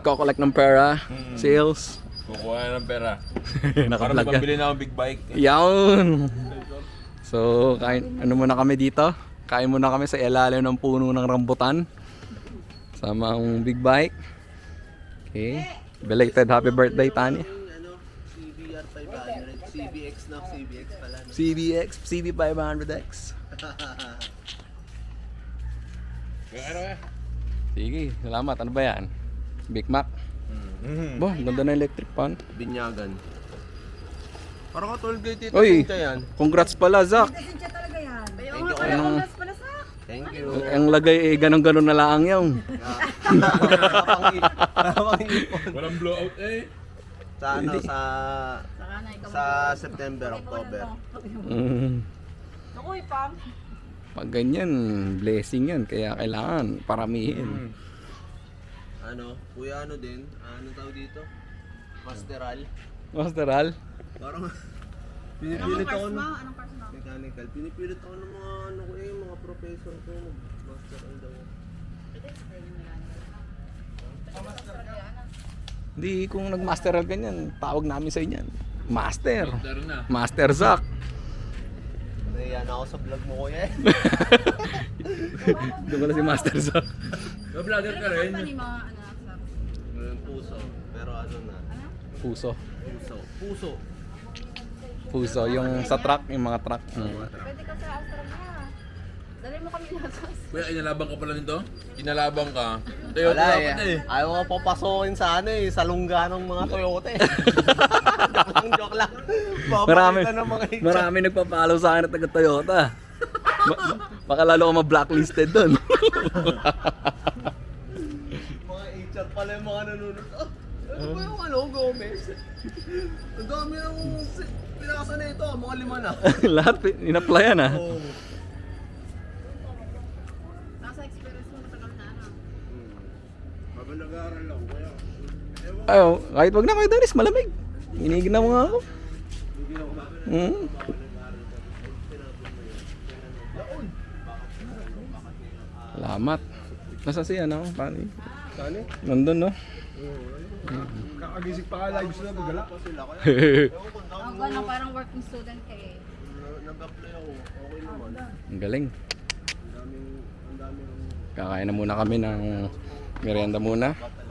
nagko-collect ng pera, sales. Kukuha ng pera. Para Naka-vlog yan. mabili na akong big bike. Yawn! So, kain, ano muna kami dito? Kain muna kami sa ilalim ng puno ng rambutan. Sama ang big bike. Okay. Belated happy birthday, Tanya. CBR 500, CBX na, CBX pala. No? CBX, CB500X. Ano eh? Sige, salamat. Ano ba yan? Big Mac? Bo, ganda na electric pan. Binyagan. Parang ka toll gate ito. Oy, Yan. congrats pala, Zach. Kasi siya talaga yan. Thank you. Anong, Thank you. ang lagay eh, ganun-ganun na lang yung. Nakapang-ipon. Walang blowout eh. Sa ano, sa September, October. Naku, Pam. Pag ganyan, blessing yan. Kaya kailangan paramihin. Ano, kuya ano din, ano tawag dito? Masteral. Masteral? Parang pinipilit ako ng Anong cars mo? mechanical. Pinipilit ako ng mga ano ko eh, mga professor ko. Masteral daw. Hindi, kung nag-masteral ganyan, tawag namin sa inyan. Master. Dari na. Master Zach. Nahiyan ako sa vlog mo kuya eh. Doon ko na si Master Zach. Vlogger ka rin. Ni mga ano, sa... Yung puso. Pero ano na? Puso. Puso. Puso. Puso, yung sa truck, yung mga truck. Pwede ka sa Australia. Dali mo kami lakas. Kuya, inalabang ka pala nito? Inalabang ka. Toyota Wala dapat eh. Ayaw ko papasokin sa ano eh, sa lungga ng mga Toyota eh. joke lang. Marami, Papakita ng mga itsura. marami nagpa-follow sa akin at taga Toyota. Baka lalo ako ma-blacklisted doon. Mga HR pala yung mga nanonood. Ano ba yung ano, Gomez? Ang dami ng pinakasan na ito, mga 5 na. Lahat in-applyan ah. Oh. Nasa experience mo matagal na ano. Habang nag-aaral ako, kaya Ayo, kahit wag na kayo Danis, malamig. Inigin na mo nga ako. Salamat. Nasa si ano? Paano? saan eh? Nandun no? Kakagising pa ka lang, gusto na magala. Sila ko Ang gano'n, parang working student ka eh. Nag-apply ako, okay naman. Ang galing. Ang daming Kakain na muna kami ng merienda muna.